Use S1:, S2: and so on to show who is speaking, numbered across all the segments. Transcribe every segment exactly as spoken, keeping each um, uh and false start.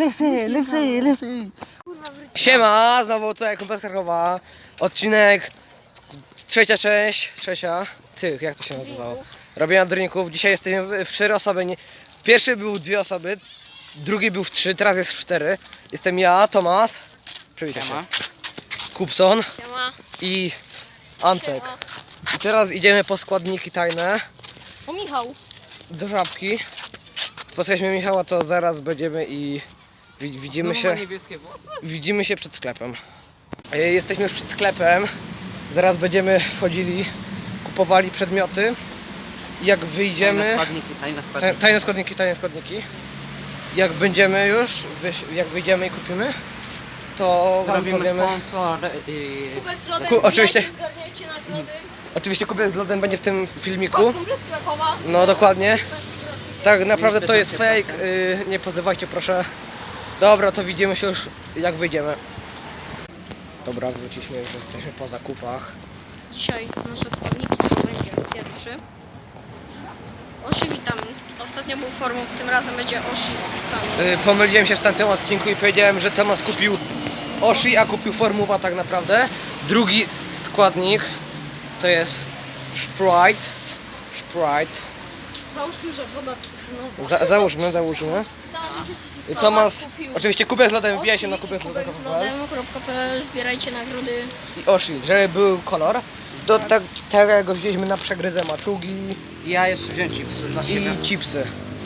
S1: lepsy, lepsy, lepsy. Siema, znowu tutaj Kumpel z Krakowa. Odcinek trzecia część, trzecia. Ty, jak to się nazywało? Robienia drinków. Dzisiaj jesteśmy w cztery osoby. Nie... Pierwszy był w dwie osoby, drugi był w trzy, teraz jest w cztery. Jestem ja, Tomas. Przywitaj się. Kupson.
S2: Siema.
S1: I Antek. I teraz idziemy po składniki tajne.
S2: O Michał.
S1: Do Żabki. Spotkaliśmy Michała, to zaraz będziemy i wi- widzimy się. Widzimy się przed sklepem. E, Jesteśmy już przed sklepem. Zaraz będziemy wchodzili, kupowali przedmioty. I jak wyjdziemy.
S3: Tajne składniki, tajne
S1: Ta-
S3: składniki.
S1: Tajne składniki, tajne składniki. Jak będziemy już, wyś- jak wyjdziemy i kupimy, to wam
S3: Robimy
S1: powiemy.
S3: sponsor i...
S2: Kubek z lodem,
S1: Ku- oczywiście.
S2: wbijajcie, zgarniajcie nagrody.
S1: Oczywiście kupiec z lodem będzie w tym filmiku.
S2: Kod Kumpel z Krakowa.
S1: No dokładnie. Tak naprawdę to jest
S3: pięćdziesiąt
S1: fake, yy, nie pozywajcie proszę. Dobra, to widzimy się już jak wyjdziemy. Dobra, wróciliśmy, już jesteśmy po zakupach.
S2: Dzisiaj nasze składniki to będzie pierwszy Oshi witamin. Ostatnio był formą, w tym razem będzie Oshi witamin.
S1: Yy, pomyliłem się w tamtym odcinku i powiedziałem, że Tomas kupił Oshi, a kupił Formuła tak naprawdę. Drugi składnik to jest Sprite. Sprite.
S2: Załóżmy, że woda cytrynowa.
S1: Za, załóżmy, załóżmy. I Tomas, oczywiście kupiec z lodem, wbijaj się na kupiec z lodem.
S2: Kubek z lodem.pl, zbierajcie nagrody.
S1: I Oshi, żeby był kolor. Do tak, tego wzięliśmy na przegryzę maczugi
S3: Ja jeszcze wziąć chipsy dla siebie.
S1: i chipsy.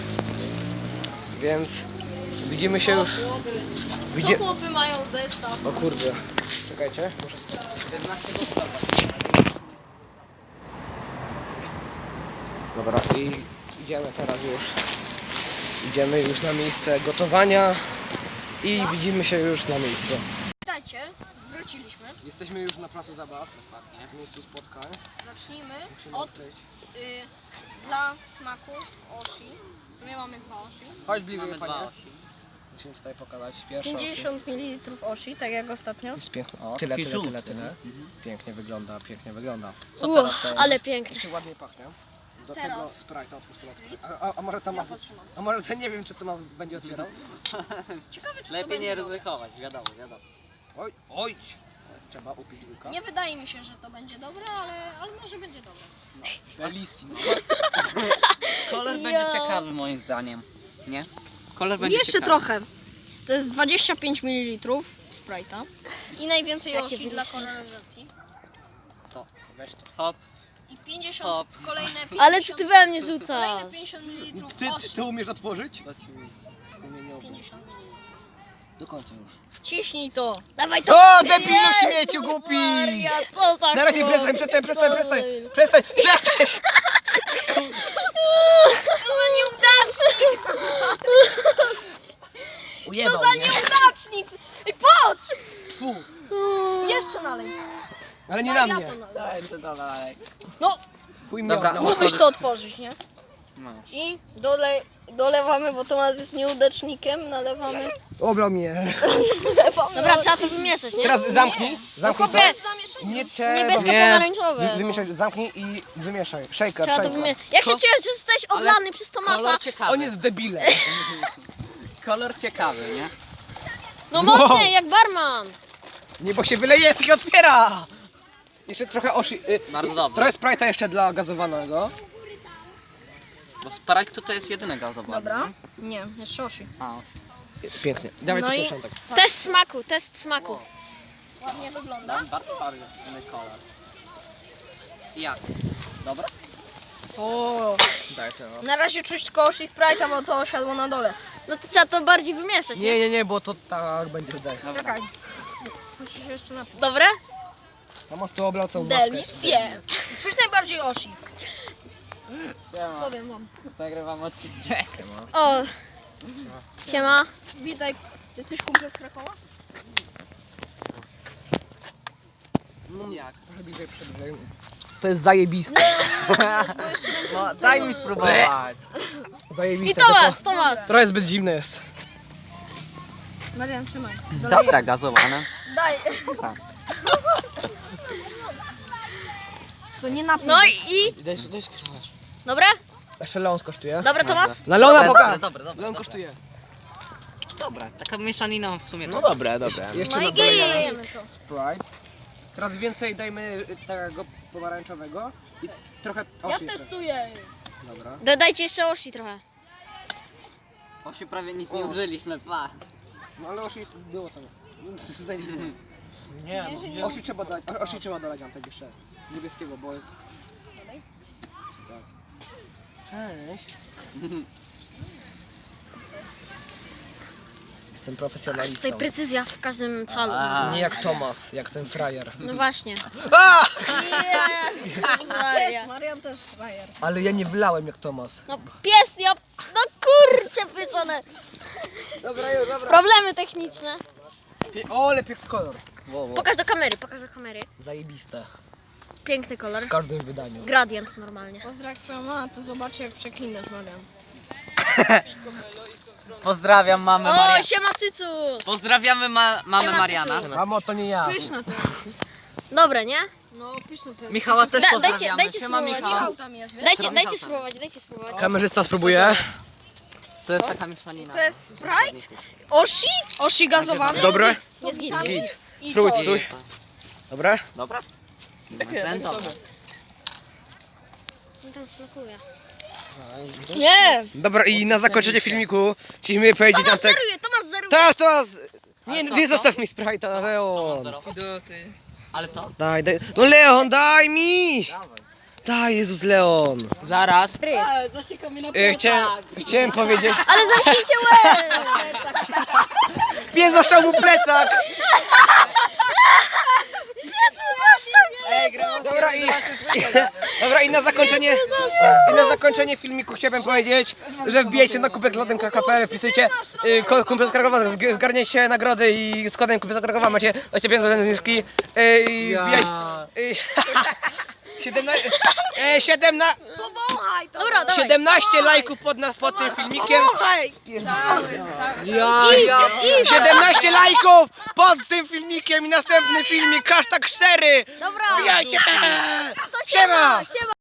S1: Więc widzimy się już.
S2: Co chłopy?
S1: Widzie-
S2: Co chłopy mają zestaw?
S1: O kurde. Czekajcie, muszę sprawdzić. Dobra, i idziemy teraz już. Idziemy już na miejsce gotowania i widzimy się już na miejscu.
S2: Witajcie, wróciliśmy.
S1: Jesteśmy już na placu zabaw, w miejscu spotkań.
S2: Zacznijmy
S1: Musimy
S2: od
S1: odkryć.
S2: y, dla smaku Oshi. W sumie mamy dwa Oshi.
S1: Chodź bliżej,
S3: Mamy
S1: panie.
S3: dwa osi.
S1: Musimy tutaj pokazać pierwszą.
S2: pięćdziesiąt mililitrów Oshi, tak jak ostatnio.
S1: Jest piękny. O,
S3: O,
S1: tyle,
S3: taki
S1: tyle, tyle,
S3: żółty.
S1: tyle. Pięknie wygląda, pięknie wygląda.
S3: Co
S2: Uch,
S3: teraz to jest?
S2: ale piękny.
S1: Jeszcze ładnie pachnie. Do
S2: Teraz.
S1: tego Sprite'a otwórz teraz. A, a, a może Tomas,
S2: Ja potrzymam.
S1: a może to nie wiem, czy Tomas będzie otwierał?
S2: Ciekawe, czy to
S3: Lepiej
S2: będzie
S3: nie
S2: dobre.
S3: ryzykować, wiadomo, wiadomo.
S1: Oj, oj! Trzeba upić łyka.
S2: Nie wydaje mi się, że to będzie dobre, ale, ale może będzie dobre.
S1: Bellissimo.
S3: Kolor
S2: Ja.
S3: będzie ciekawy moim zdaniem. Nie? Kolor będzie
S2: Jeszcze
S3: ciekawy.
S2: trochę. To jest dwadzieścia pięć mililitrów Sprite'a. I najwięcej Oshi dla koloryzacji.
S3: Co?
S1: Weź to.
S3: Hop.
S2: I pięćdziesiąt,
S3: Hop.
S2: kolejne pięćdziesiąt,
S4: Ale co ty we mnie
S2: kolejne
S4: rzucasz?
S2: pięćdziesiąt mililitrów
S1: Ty,
S2: Oshi.
S1: ty umiesz otworzyć? Umieniowo.
S2: pięćdziesiąt mililitrów.
S1: Do końca już.
S2: Ciśnij to.
S4: Dawaj to!
S1: O, debilu śmieciu głupi!
S4: Maria, co za
S1: Na razie
S4: chłop?
S1: przestań, przestań, przestań,
S4: Co
S1: przestań!
S4: za-
S1: Przestań, przestań!
S2: Co za nieudacznik!
S1: Ujebał
S2: Co za
S1: mnie.
S2: nieudacznik! I patrz!
S1: Fu.
S2: Jeszcze nalej.
S1: Ale nie
S2: Daj,
S1: na
S2: ja
S1: mnie.
S2: to nalej.
S3: Daj, to dalej.
S2: No,
S1: Chuj mnie
S3: Dobra.
S1: oblał.
S2: mógłbyś to otworzyć, nie?
S3: No.
S2: I dole, dolewamy, bo Tomasz jest nieudacznikiem, nalewamy.
S1: Oblał mnie.
S4: Dobra, trzeba to wymieszać, nie?
S1: Teraz zamknij. Zamknij to.
S2: Chłopie, zamieszaj.
S1: Nie trzeba.
S4: Niebiesko
S1: Nie.
S4: pomarańczowe.
S1: Wy- Wymieszaj, zamknij i wymieszaj. Shaker,
S4: Trzeba to
S1: shaker.
S4: wymieszać. Jak się czujesz, że jesteś oblany przez Tomasa?
S3: Kolor ciekawy.
S1: On jest debilem.
S3: Kolor ciekawy, nie?
S4: No mocniej, jak barman.
S1: Nie, bo się wyleje, co się otwiera! Jeszcze trochę osi... Y,
S3: Bardzo
S1: y,
S3: dobrze.
S1: Trochę Sprite'a jeszcze dla gazowanego.
S3: Bo Sprite to, to jest jedyny gazowanie.
S2: Dobra. Nie, jeszcze Oshi.
S3: A,
S1: Pięknie. Dawaj
S2: No
S1: to
S2: i-
S1: początek.
S4: Test smaku, test smaku.
S2: Ładnie wygląda.
S3: dam bardzo, bardzo inny kolor. I jak? Dobra?
S2: O,
S1: Daj to.
S2: na razie czuć tylko Oshi Sprite'a, bo to osiadło na dole.
S4: No to trzeba to bardziej wymieszać, nie?
S1: Nie, nie, nie, bo to tak będzie tutaj.
S2: Czekaj. Muszę się jeszcze napić.
S4: Dobre?
S1: Tam mocno oblał całą maskę.
S2: Delicje! Czuć najbardziej Oshi.
S3: Siema.
S2: Powiem wam.
S3: Nagrywam odcinek.
S4: O, siema.
S2: Witaj. Jesteś kumple z Krakowa?
S3: Jak?
S1: Trochę bliżej przybliżej. To jest zajebiste.
S3: No, daj mi spróbować.
S4: I
S1: Zajebiste.
S4: Tomas,
S1: tylko
S4: Tomas.
S1: Trochę zbyt zimne jest.
S2: Marian, trzymaj.
S3: Dobra, gazowane.
S2: Daj.
S3: Tak.
S2: To nie napij.
S4: No i, i
S1: Daj, daj skosztować.
S4: dobre?
S1: Jeszcze Leon skosztuje.
S4: Dobre, Tomas?
S1: Na Leona
S3: Dobre,
S1: poka.
S3: dobre, dobre, dobre,
S1: Leon
S3: dobre.
S1: kosztuje.
S3: dobra, taka mieszanina w sumie.
S1: No
S3: to.
S1: dobra, dobra. Jeszcze
S4: No i
S1: dodajemy
S4: git.
S1: Sprite. Teraz więcej dajmy tego pomarańczowego i trochę osi.
S2: testuję.
S1: Dobra.
S4: Dodajcie jeszcze osi trochę.
S3: Osi prawie nic nie użyliśmy, pa.
S1: No ale osi było tam. Będzie. Nie, no, osi trzeba dać, osi trzeba dodać Antek jeszcze. Niebieskiego, bo jest... Tak. Cześć. Jestem profesjonalistą.
S4: Tutaj precyzja w każdym calu.
S1: Nie jak Tomas, jak ten frajer.
S4: No właśnie.
S1: A!
S4: Jezus Maria.
S2: Marian też frajer.
S1: Ale ja nie wlałem jak Tomas.
S4: No pies, ja... No kurczę pytone.
S1: Dobra, już, dobra.
S4: Problemy techniczne.
S1: O, ale piękny kolor.
S4: Pokaż do kamery, pokaż do kamery.
S1: Zajebiste.
S4: Piękny kolor.
S1: W każdym wydaniu.
S4: Gradient normalnie.
S2: Pozdrawiam swoją mamę, to zobaczy jak przeklinasz Marian.
S3: Pozdrawiam mamę
S4: O,
S3: Mariana.
S4: siema cycu.
S3: Pozdrawiamy ma mamę
S4: Siema,
S3: Mariana.
S4: cycu.
S1: Mamo, to nie ja.
S2: Pyszne to jest.
S4: Dobre, nie?
S2: No pyszne to jest.
S3: Michała też
S4: Da-
S3: pozdrawiamy.
S4: dajcie- dajcie
S3: Siema,
S4: spróbować.
S3: Michał.
S2: Michał tam jest, wiesz?
S4: Dajcie, dajcie spróbować, dajcie spróbować.
S1: Kamerzysta spróbuje.
S3: To jest taka mieszanina.
S2: To jest Sprite? Oshi? Oshi gazowany?
S1: Dobre?
S4: Jest git.
S1: Git.
S2: I
S1: Spróbuj
S2: to.
S1: coś. Dobre?
S3: Dobra?
S1: Takie,
S3: Dobra.
S4: Tam smakuje.
S2: Nie!
S1: Dobra, i na zakończenie filmiku chcieliśmy powiedzieć
S4: Tomasz
S1: Antek.
S4: zeruje, Tomasz zeruje.
S1: Teraz, teraz! Nie,
S3: co,
S1: nie
S3: co?
S1: zostaw mi Sprite'a, Leon.
S3: Ale to?
S1: Daj, daj. No Leon, daj mi! Daj, Jezus, Leon.
S3: Zaraz.
S2: Zasieka mi na
S1: E, chciałem, chciałem powiedzieć...
S4: Ale zamknijcie łeb.
S1: Pies zaszczał mu plecak! Dobra i, dobra i na zakończenie i na zakończenie filmiku chciałbym powiedzieć, że wbijajcie na kubek lodem kropka p l, wpisujcie y, kod Kumpel z Krakowa, zg- zgarniecie nagrody i z kodem Kumpel z Krakowa macie dwadzieścia pięć procent zniżki y, i wbijajcie y, siedemnaście, e, siedemna,
S2: Powąchaj to!
S4: Dobra, dawaj.
S1: siedemnaście lajków pod nas pod tym filmikiem.
S2: Powąchaj!
S1: Ja, ja. siedemnaście lajków pod tym filmikiem i następny filmik hashtag cztery.
S4: Dobra.
S1: Wbijajcie!
S4: To
S1: Siema!
S4: Siema.